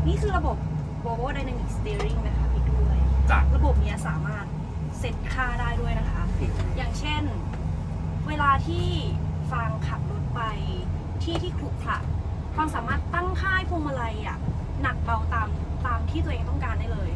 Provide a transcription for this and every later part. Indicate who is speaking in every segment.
Speaker 1: นี่คือระบบ Volvo Dynamic Steering นะคะพี่ด้วยระบบนี้สามารถเซตค่าได้ด้วยนะคะ อย่างเช่นเวลาที่ฟังขับรถไปที่ขรุขระฟังสามารถตั้งค่าพวงมาลัยหนักเบาตามที่ตัวเองต้องการได้เลย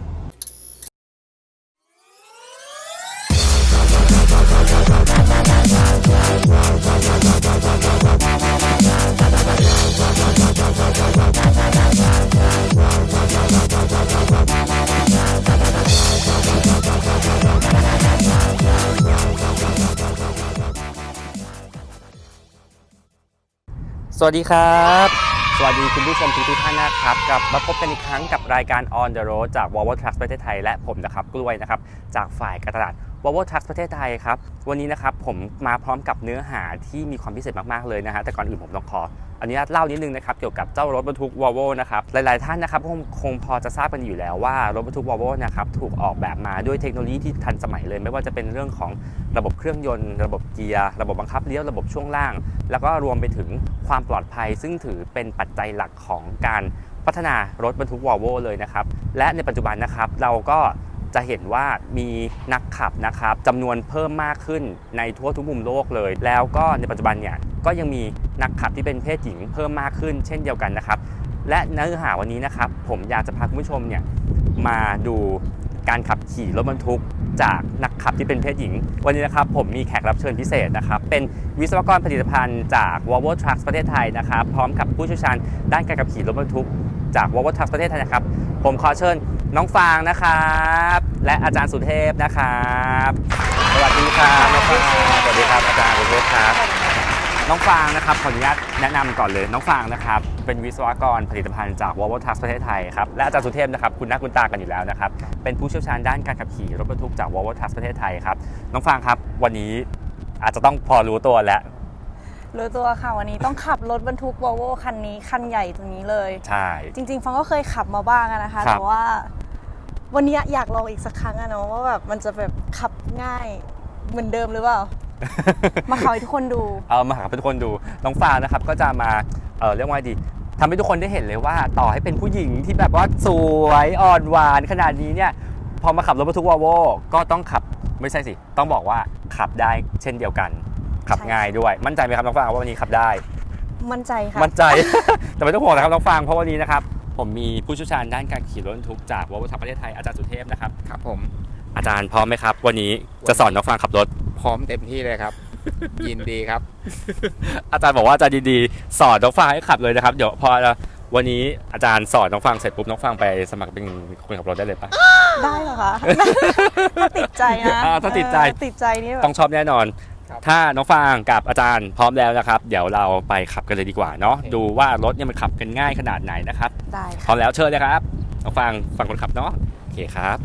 Speaker 2: สวัสดีครับสวัสดีคุณผู้ชมทุกท่านนะครับกลับมาพบกันอีกครั้งกับรายการ On the Road จาก Volvo Trucks ประเทศไทยและผมนะครับกล้วยนะครับจากฝ่ายการตลาด Volvo Trucks ประเทศไทยครับวันนี้นะครับผมมาพร้อมกับเนื้อหาที่มีความพิเศษมากๆเลยนะฮะแต่ก่อนอื่นผมต้องขออนุญาตเล่านิดนึงนะครับเกี่ยวกับเจ้ารถบรรทุก Volvo นะครับหลายๆท่านนะครับคงพอจะทราบกันอยู่แล้วว่ารถบรรทุก Volvo นะครับถูกออกแบบมาด้วยเทคโนโลยีที่ทันสมัยเลยไม่ว่าจะเป็นเรื่องของระบบเครื่องยนต์ระบบเกียร์ระบบบังคับเลี้ยวระบบช่วงล่างแล้วก็รวมไปถึงความปลอดภัยซึ่งถือเป็นปัจจัยหลักของการพัฒนารถบรรทุก Volvo เลยนะครับและในปัจจุบันนะครับเราก็จะเห็นว่ามีนักขับนะครับจำนวนเพิ่มมากขึ้นในทั่วทุกมุมโลกเลยแล้วก็ในปัจจุบันเนี่ยก็ยังมีนักขับที่เป็นเพศหญิงเพิ่มมากขึ้นเช่นเดียวกันนะครับและเนื้อหาวันนี้นะครับผมอยากจะพาคุณผู้ชมเนี่ยมาดูการขับขี่รถบรรทุกจากนักขับที่เป็นเพศหญิงวันนี้นะครับผมมีแขกรับเชิญพิเศษนะครับเป็นวิศวกรผลิตภัณฑ์จาก Volvo Trucks ประเทศไทยนะครับพร้อมกับผู้เชี่ยวชาญด้านการขับขี่รถบรรทุกจาก Volvo Trucks ประเทศไทยนะครับผมขอเชิญน้องฟางนะครับและอาจารย์สุเทพนะครับสวัสดีครับน้องฟางสวัสดีครับอาจารย์สุเทพครับน้องฟางนะครับขออนุญาตแนะนำก่อนเลยน้องฟางนะครับเป็นวิศวกรผลิตภัณฑ์จาก Volvo Trucks ประเทศไทยครับและอาจารย์สุเทพนะครับคุณหน้าคุณตากันอยู่แล้วนะครับเป็นผู้เชี่ยวชาญด้านการขับขี่รถบรรทุกจาก Volvo Trucks ประเทศไทยครับน้องฟางครับวันนี้อาจจะต้องพอรู้ตัวแล้ว
Speaker 1: รู้ตัวค่ะวันนี้ต้องขับรถบรรทุก Volvo คันนี้คันใหญ่ตรงนี้เลย
Speaker 2: ใช่
Speaker 1: จริงๆฟังก็เคยขับมาบ้างนะคะแต่ว่าวันนี้อยากลองอีกสักครั้งนะว่าแบบมันจะแบบขับง่ายเหมือนเดิมหรือเปล่า มาขับให้ทุกคนดู
Speaker 2: มาขับให้ทุกคนดูน้องฟางนะครับก็จะมาเรียกว่าดีทำให้ทุกคนได้เห็นเลยว่าต่อให้เป็นผู้หญิงที่แบบว่าสวยอ่อนหวานขนาดนี้เนี่ยพอมาขับรถบรรทุก Volvo ก็ต้องขับไม่ใช่สิต้องบอกว่าขับได้เช่นเดียวกันขับง่ายด้วยมั่นใจไหมครับน้องฟางว่าวันนี้ขับได้
Speaker 1: มั่นใจค่ะ
Speaker 2: มั่นใจ แต่ไม่ต้องห่วงนะครับน้องฟางเพราะวันนี้นะครับผมมีผู้เชี่ยวชาญด้านการขี่รถบรรทุกจาก Volvo Trucks ประเทศไทยอาจารย์สุเทพนะครับ
Speaker 3: ครับผม
Speaker 2: อาจารย์พร้อมไหมครับวันนี้จะสอนน้องฟางขับรถ
Speaker 3: พร้อมเต็มที่เลยครับ ยินดีครับ
Speaker 2: อาจารย์บอกว่าอาจารย์ดีๆสอนน้องฟางให้ขับเลยนะครับเดี๋ยวพอวันนี้อาจารย์สอนน้องฟางเสร็จปุ๊บน้องฟางไปสมัครเป็นคนขับรถได้เลยปะ
Speaker 1: ได้เหรอคะถ้าติดใจนะ
Speaker 2: ถ้าติดใจ
Speaker 1: นี่
Speaker 2: ต้องชอบแน่นอนถ้าน้องฟางกับอาจารย์พร้อมแล้วนะครับเดี๋ยวเราไปขับกันเลยดีกว่าเนาะดูว่ารถเนี่ยมันขับกันง่ายขนาดไหนนะครับ
Speaker 1: ได้
Speaker 2: พร้อมแล้วเชิญเลยครับน้องฟางฝั่งคนขับเนาะโอเคครับ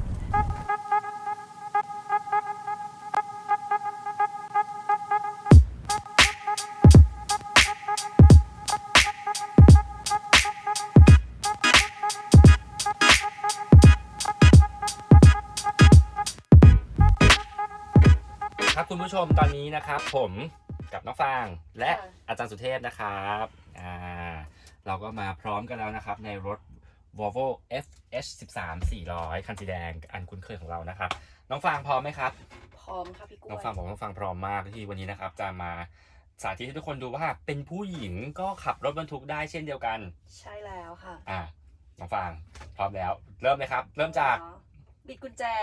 Speaker 2: ครับคุณผู้ชมตอนนี้นะครับผมกับน้องฟางและอาจารย์สุเทพนะครับเราก็มาพร้อมกันแล้วนะครับในรถ Volvo FH13 400คันสีแดงอันคุ้นเคยของเรานะครับน้องฟางพร้อมไหมครับ
Speaker 1: พร้อมครับพี่กุ้ย
Speaker 2: น้องฟางบอกน้องฟางพร้อมมากที่วันนี้นะครับจะมาสาธิตให้ทุกคนดูว่าเป็นผู้หญิงก็ขับรถบรรทุกได้เช่นเดียวกัน
Speaker 1: ใช่แล้วค่ะ
Speaker 2: น้องฟางพร้อมแล้วเริ่มเลยครับเริ่มจาก
Speaker 1: บิดกุญแจ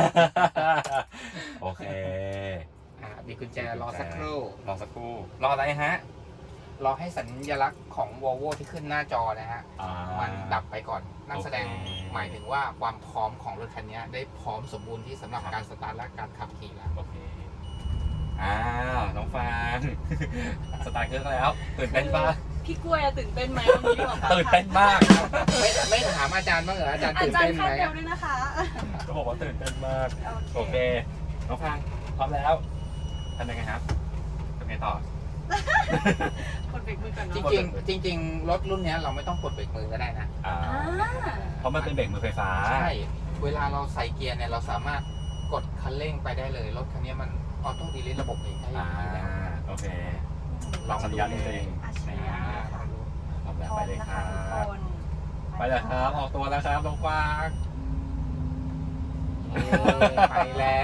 Speaker 2: โอเค
Speaker 3: บิดกุญแจรอสักครู่
Speaker 2: รออะไรฮะ
Speaker 3: รอให้สัญลักษณ์ของ Volvo ที่ขึ้นหน้าจอนะฮะมันดับไปก่อนนั่นแสดงหมายถึงว่าความพร้อมของรถคันนี้ได้พร้อมสมบูรณ์ที่สำหรับการสตาร์ทและการขับขี่แล้ว
Speaker 2: โอเคน้องฟางสตาร์ทเครื่องแล้วตื่นเต้นป่ะ
Speaker 1: พี่กล้วยตื่นเต้นไหมวันนี้
Speaker 2: ตื่นเต้นมาก
Speaker 3: ไม่ถามอาจารย์บ้างเหรออาจารย์ตื่นเต้นไหม
Speaker 1: อาจารย์คาดเดาด้วยนะคะ
Speaker 2: ก็บอกว่าตื่นเต้นมากโอเคน้องฟางพร้อมแล้วทำยังไงครับทำไงต่อก
Speaker 1: ดเบรกมือก่อน
Speaker 3: จริงรถรุ่นนี้เราไม่ต้องกดเบรกมือก็ได้นะ
Speaker 2: เพราะมันเป็นเบรกมือไฟฟ้า
Speaker 3: ใช่เวลาเราใส่เกียร์เนี่ยเราสามารถกดคันเร่งไปได้เลยรถคันนี้มันออโต้ดีลิทระบบเองได้แล้ว
Speaker 2: โอเค
Speaker 3: ลอง
Speaker 2: สัญญาณเอง
Speaker 1: พร้อมแล้ว
Speaker 2: ไปเลยครับ
Speaker 1: ไป
Speaker 2: ไปแล้วครับออกตัวแล้วครับน้องฟาง
Speaker 3: ไปแล้ว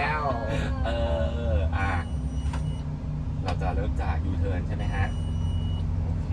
Speaker 2: เราจะเริ่มจากยูเทิร์นใช่ไหมฮะโอเค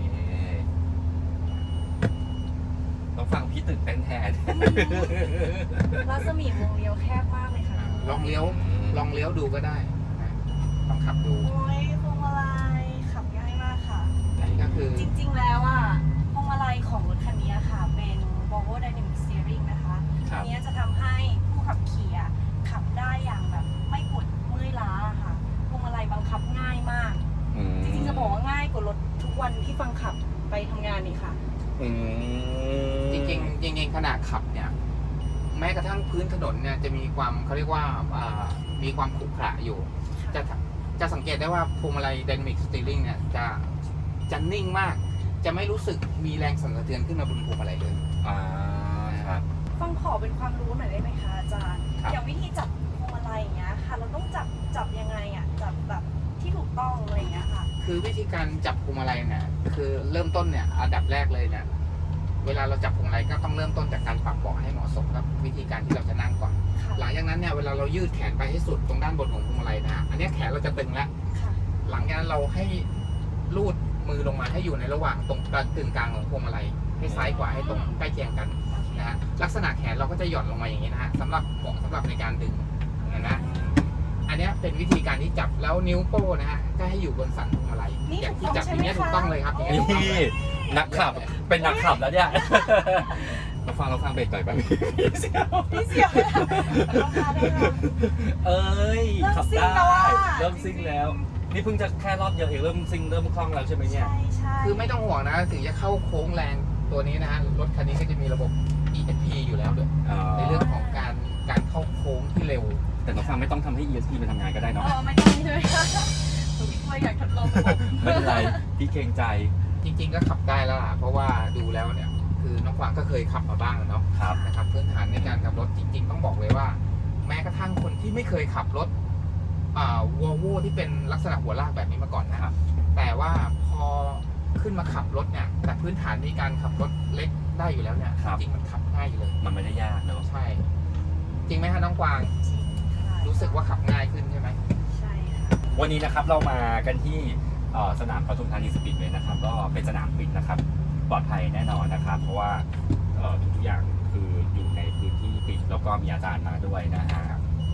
Speaker 2: ต้องฟังพี่ตื่นเต้นแทน
Speaker 1: รัศมีวงเลี้ยวแคบมากเลยค่ะ
Speaker 3: ลองเลี้ยวดูก็ได้นะลองขับดู
Speaker 1: โอ้ยพวงมาลัยขับง่ายมากค่ะ
Speaker 3: อันนี้ก็คือ
Speaker 1: จริงๆแล้วอ่ะพวงมาลัยของรถคันนี้ค่ะเป็น Volvo Dynamic Steering นะคะ
Speaker 2: ครั
Speaker 1: อั
Speaker 2: บ
Speaker 1: นนี้จะทำให้ผู้ขับขี่อะขับได้อย่างแบบไม่ปวดเมื่อยล้าค่ะพวงมาลัยบังคับง่ายมาก จริงๆจะบอกว่าง่ายกว่ารถทุกวันที่ฟังขับไปทำงานนี่ค่ะ
Speaker 3: จริงขณะขับเนี่ยแม้กระทั่งพื้นถนนเนี่ยจะมีความเขาเรียกว่ามีความขรุขระอยู่ จะสังเกตได้ว่าพวงมาลัย Dynamic Steering เนี่ยจะนิ่งมาก จะไม่รู้สึกมีแรงสั่นสะเทือนขึ้นมาบนพวงมาลัยเลย
Speaker 2: ครับ
Speaker 1: ฟังขอเป็นความรู้หน่อยได้ไหมคะอาจารย์
Speaker 3: ครับ
Speaker 1: อย่างวิธีจับพวงมาลัยอย่างเงี้ยค่ะ เราต้องจับยังไงอ่ะจับแบบที่ถูกต้องอะไรอย่างเงี้ยค่ะ
Speaker 3: คือวิธีการจับพวงมาลัยเนี่ยคือเริ่มต้นเนี่ยอันดับแรกเลยเนี่ยเวลาเราจับพวงมาลัยก็ต้องเริ่มต้นจากการปรับเบาะให้เหมาะสมกับวิธีการที่เราจะนั่งก่อน
Speaker 1: ค่ะ
Speaker 3: หลังจากนั้นเนี่ยเวลาเรายืดแขนไปให้สุดตรงด้านบนของพวงมาลัยนะฮะอันเนี้ยแขนเราจะตึงแล้ว
Speaker 1: ค่ะ
Speaker 3: หลังจากนั้นเราให้ลูดมือลงมาให้อยู่ในระหว่างตรงกึ่งกลางของพวงมาลัยให้ซ้ายขวาให้ตรงใกล้เคียงกันนะฮะลักษณะแขนเราก็จะหย่อนลงมาอย่างนี้นะฮะสำหรับเหมาะสำหรับในการดึงนะอันเนี้ยเป็นวิธีการที่จับแล้วนิ้วโป้นะฮะก็ให้อยู่บนสันพวงมาลัย
Speaker 1: นี่
Speaker 3: อย่าง
Speaker 1: ถู
Speaker 3: ที่
Speaker 1: กต้
Speaker 3: จั
Speaker 1: อบ ง
Speaker 3: อย่างเงี้ย
Speaker 1: ใช่ไหมคะ
Speaker 3: ถูกต้องเลยครับอย่างเงี้ยถูกต้อง
Speaker 2: นี่
Speaker 3: เลย
Speaker 2: นักขับเป็นนักขับแล้วเนี่ยเราฟังเบรกหน่อยไปพี่เสียว
Speaker 1: พี่เสียวราคาได้ค่ะ
Speaker 2: เอ้ย
Speaker 1: เริ่ม
Speaker 2: ขับ
Speaker 1: ซิ่ง
Speaker 2: ได้
Speaker 1: แล้วอะ
Speaker 2: เริ่มซิ่งแล้ว นี่เพิ่งจะแค่รอบเดียวเองเริ่มซิ่งเริ่มคล่องแล้วใช่ไหมเนี่ย
Speaker 1: ใช่ใช่
Speaker 3: คือไม่ต้องห่วงนะถึงจะเข้าโค้งแรงตัวนี้นะฮะรถคันนี้ก็จะมีระบบ ESP อยู่แล้วด้วยในเรื่องของการเข้าโค้งที่เร็ว
Speaker 2: แต่น้องฟังไม่ต้องทำให้ ESP มันทำงานก็ได้เนาะ
Speaker 1: ไม่ต้องใช่ไหมคะหนูพี่กล้วยอยากทดลองระบบ
Speaker 2: ไม่เป็นไรพี่เกรงใจ
Speaker 3: จริงๆก็ขับได้แล้วล่ะเพราะว่าดูแล้วเนี่ยคือน้องฟางก็เคยขับมาบ้างแล้วเนาะ
Speaker 2: ครับ
Speaker 3: นะครับพื้นฐานในการขับรถจริง ๆ ต้องบอกเลยว่า แม้กระทั่งคนที่ไม่เคยขับรถวอลโวที่เป็นลักษณะหัวลากแบบนี้มาก่อนนะครับ แต่ว่าพอขึ้นมาขับรถเนี่ยแต่พื้นฐานในการขับรถเล็กได้อยู่แล้วเนี่ย
Speaker 2: ครับ
Speaker 3: จริงๆมันขับง่ายอยู่เลย
Speaker 2: มันไม่ได้ยากเนาะ
Speaker 3: ใช่ จริงไหมฮะน้องกวาง
Speaker 1: จริงค่ะ
Speaker 3: รู้สึกว่าขับง่ายขึ้นใช่ไหม
Speaker 1: ใช่ค่ะ
Speaker 2: วันนี้นะครับเรามากันที่สนามปทุมธานีสปีดเวย์นะครับก็เป็นสนามปิดนะครับปลอดภัยแน่นอนนะครับ เพราะว่าทุกอย่างคืออยู่ในพื้นที่ปิดแล้วก็มีอาจารย์มาด้วยนะฮะ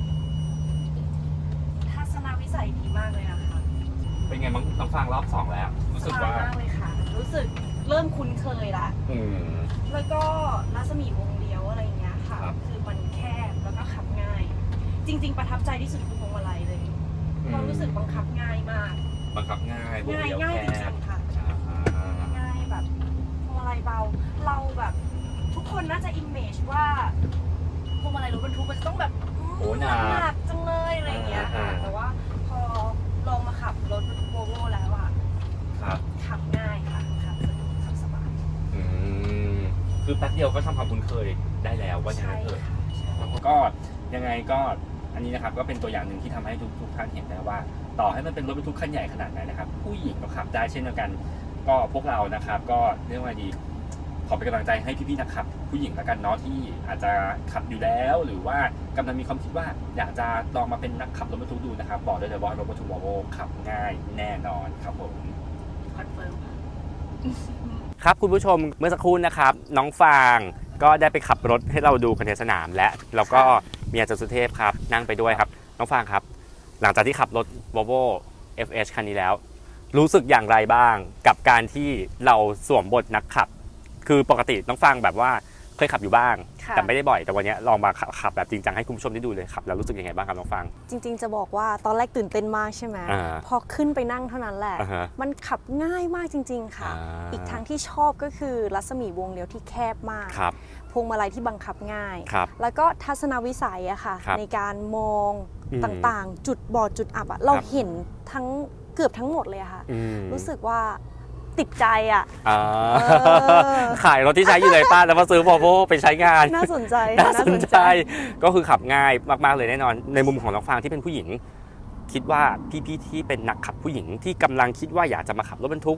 Speaker 1: ทัศนวิสัยดีมากเลยนะคะ
Speaker 2: เป็นไงบ้างน้องฟังรอบ 2 แล้ว รู้สึก
Speaker 1: สบาย
Speaker 2: ว่า
Speaker 1: มากเลยค่ะ รู้สึกเริ่มคุ้นเคยละ
Speaker 2: อืม
Speaker 1: แล้วก็รัศมีวงเลี้ยวอะไรอย่างเงี้ยค่ะ
Speaker 2: ครับ
Speaker 1: คือมันแคบแล้วก็ขับง่าย จริง ๆ ประทับใจที่สุดคือพวงมาลัยเลยเรารู้สึกบังคับง่ายมาก
Speaker 2: บังคับง่ายวง
Speaker 1: ง่าย
Speaker 2: เลี้ยว
Speaker 1: ง่าย
Speaker 2: แค
Speaker 1: จริ
Speaker 2: บ
Speaker 1: งๆค่ะ
Speaker 2: อ่า
Speaker 1: ง่ายแบบพวงมาลัยเบา เราแบบทุกคนน่าจะอิมเมจว่าพวงมาลัยรถบรรทุกมันจะต้องแบบ
Speaker 2: โอ้หนัก
Speaker 1: หนักจังเลยอะไรอย่างเงี้ยค่ะ
Speaker 2: อ่า
Speaker 1: แต่ว่าพอลองมาขับรถโวโวแล้วอะ
Speaker 2: ครับ
Speaker 1: ขับง่ายค่ะขับสะดวกขับสบาย
Speaker 2: อืมคือแป๊บเดียวก็ทำความคุ้นเคยได้แล้วว่าอย่าง
Speaker 1: ใช่
Speaker 2: นั้นเถอะ
Speaker 1: ค่ะใช่
Speaker 2: ก็ยังไงก็อันนี้นะครับก็เป็นตัวอย่างหนึ่งที่ทำให้ทุกท่านเห็นได้ว่า ต่อให้มันเป็นรถบรรทุกคันใหญ่ขนาดไหนนะครับ ผู้หญิงก็ขับได้เช่นเดียวกัน ก็พวกเรานะครับก็เรียกว่าดีขอเป็นกำลังใจให้พี่ๆนักขับ ผู้หญิงแล้วกันเนาะที่อาจจะขับอยู่แล้ว หรือว่ากำลังมีความคิดว่าอยากจะลองมาเป็นนักขับรถบรรทุกดูนะครับบอกได้เลยว่ารถบรรทุกวอลโวขับง่ายแน่นอนครับผม
Speaker 1: คอนเฟิร์มค่ะ
Speaker 2: ครับคุณผู้ชมเมื่อสักครู่นะครับน้องฟางก็ได้ไปขับรถให้เราดูกันในสนามและแล้วก็มีอาจารย์สุเทพครับนั่งไปด้วยครับน้องฟางครับ หลังจากที่ขับรถ Volvo FH คันนี้แล้ว รู้สึกอย่างไรบ้างกับการที่เราสวมบทนักขับ คือปกติน้องฟางแบบว่าเคยขับอยู่บ้าง
Speaker 1: ค่ะ
Speaker 2: แต่ไม่ได้บ่อยแต่วันนี้ลองมาขับแบบจริงจังให้คุณผู้ชมได้ดูเลยขับแล้วรู้สึกยังไงบ้างครับน้องฟาง
Speaker 4: จริงๆ จะบอกว่าตอนแรกตื่นเต้นมากใช่ไหม
Speaker 2: อ่า
Speaker 4: พอขึ้นไปนั่งเท่านั้นแหละ
Speaker 2: อ่าฮะ
Speaker 4: มันขับง่ายมากจริง ๆ ค่ะ อีกทางที่ชอบก็คือรัศมีวงเลี้ยวที่แคบมาก
Speaker 2: ครับ
Speaker 4: พวงมาลัยที่บังคับง่าย
Speaker 2: ครับ
Speaker 4: แล้วก็ทัศนวิสัยอะค่ะ
Speaker 2: ครับ
Speaker 4: ในการมอง
Speaker 2: อืม
Speaker 4: ต่างๆ จุดบอดจุดอับอะเรา
Speaker 2: ครับ
Speaker 4: เห็นทั้งเกือบทั้งหมดเลยอะค่ะ
Speaker 2: อืม
Speaker 4: รู้สึกว่าติดใจอะ
Speaker 2: อ่า
Speaker 4: อ
Speaker 2: ขายรถที่ใช้อยู่เลยป้าแล้วมาซื้อ Volvo ไปใช้งาน
Speaker 4: น่าสนใจ
Speaker 2: น่าสนใจก็คือขับง่ายมากๆเลยแน่นอน ในมุมของน้องฟางที่เป็นผู้หญิง คิดว่าพี่ๆที่เป็นนักขับผู้หญิงที่กำลังคิดว่าอยากจะมาขับรถบรรทุก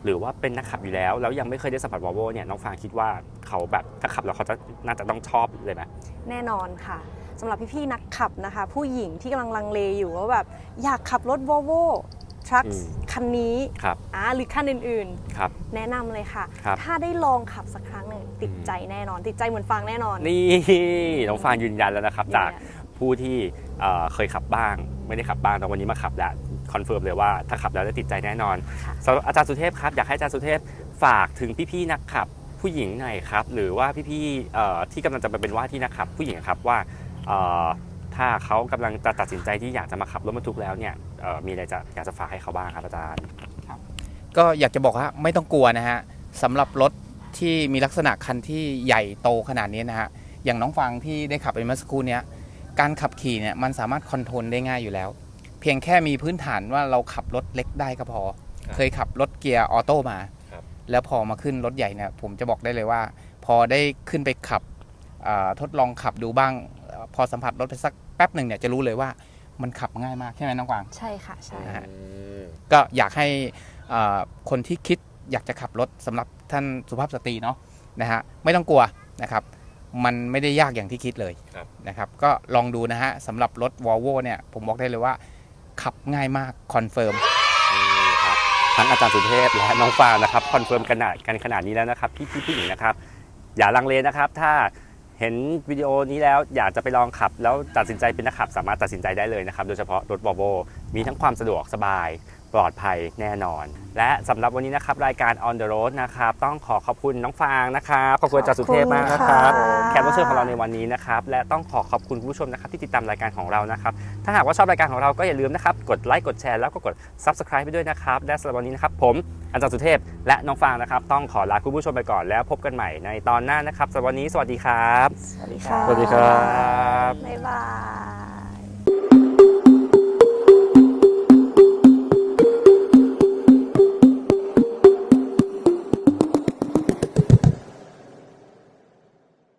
Speaker 2: หรือว่าเป็นนักขับอยู่แล้วยังไม่เคยได้สัมผัส Volvo เนี่ยน้องฟางคิดว่าเขาแบบถ้าขับแล้วเขาจะน่าจะต้องชอบเลยไหม
Speaker 4: แน่นอนค่ะสำหรับพี่ๆนักขับนะคะ ผู้หญิงที่กำลังลังเลอยู่ว่าแบบอยากขับรถ Volvo Trucks คันนี้หรือคันอื่นๆแนะนำเลยค่ะถ้าได้ลองขับสักครั้งหนึ่งติดใจแน่นอนติดใจเหมือนฟางแน่นอน
Speaker 2: นี่น้องฟางยืนยันแล้วนะครับจากผู้ที่เคยขับบ้างไม่ได้ขับบ้างแต่วันนี้มาขับแล้วคอนเฟิร์มเลยว่าถ้าขับแล้วจะติดใจแน่นอนอาจารย์สุเทพครับอยากให้อาจารย์สุเทพฝากถึงพี่ๆนักขับผู้หญิงหน่อยครับหรือว่าพี่ๆที่กำลังจะไปเป็นว่าที่นักขับผู้หญิงครับว่าถ้าเขากำลังจะตัดสินใจที่อยากจะมาขับรถบรรทุกแล้วเนี่ยมีอะไรอยากจะฝากให้เขาบ้างครับอาจารย์
Speaker 3: ครับก็อยากจะบอกว่าไม่ต้องกลัวนะฮะสำหรับรถที่มีลักษณะคันที่ใหญ่โตขนาดนี้นะฮะอย่างน้องฟังที่ได้ขับไปเมื่อสักครู่นี้การขับขี่เนี่ยมันสามารถคอนโทรลได้ง่ายอยู่แล้วเพียงแค่มีพื้นฐานว่าเราขับรถเล็กได้ก็พอเคยขับรถเกียร์ออโต้มาแล้วพอมาขึ้นรถใหญ่เนี่ยผมจะบอกได้เลยว่าพอได้ขึ้นไปขับทดลองขับดูบ้างพอสัมผัสรถไปสักแป๊บหนึ่งเนี่ยจะรู้เลยว่ามันขับง่ายมากใช่ไหมน้องกวาง
Speaker 4: ใช่ค่ะใช่
Speaker 3: ก็อยากให้คนที่คิดอยากจะขับรถสำหรับท่านสุภาพสตรีเนาะนะฮะไม่ต้องกลัวนะครับมันไม่ได้ยากอย่างที่คิดเลยนะครับก็ลองดูนะฮะสำหรับรถ Volvo เนี่ยผมบอกได้เลยว่าขับง่ายมากคอนเฟิร์ม
Speaker 2: ทั้งอาจารย์สุเทพและน้องฟางนะครับคอนเฟิร์มกันขนาดนี้แล้วนะครับพี่ผู้หญิงนะครับอย่าลังเลนะครับถ้าเห็นวิดีโอนี้แล้วอยากจะไปลองขับแล้วตัดสินใจเป็นนักขับสามารถตัดสินใจได้เลยนะครับโดยเฉพาะรถ Volvo มีทั้งความสะดวกสบายปลอดภัยแน่นอนและสำหรับวันนี้นะครับรายการ On the Road นะครับต้องขอบคุณน้องฟางนะครับขอบคุณอาจารย์สุเทพมากนะครับแขกรับเชิญของเราในวันนี้นะครับและต้องขอบคุณผู้ชมนะครับที่ติดตามรายการของเรานะครับถ้าหากว่าชอบรายการของเราก็อย่าลืมนะครับกดไลค์กดแชร์แล้วก็กด Subscribe ไปด้วยนะครับและสำหรับวันนี้นะครับผมอาจารย์สุเทพและน้องฟางนะครับต้องขอลาคุณผู้ชมไปก่อนแล้วพบกันใหม่ในตอนหน้านะครับสำหรับวันนี้สวัสดีครับ
Speaker 4: สวัสดีค่ะ
Speaker 2: สวัสดีครับ
Speaker 4: บ๊ายบา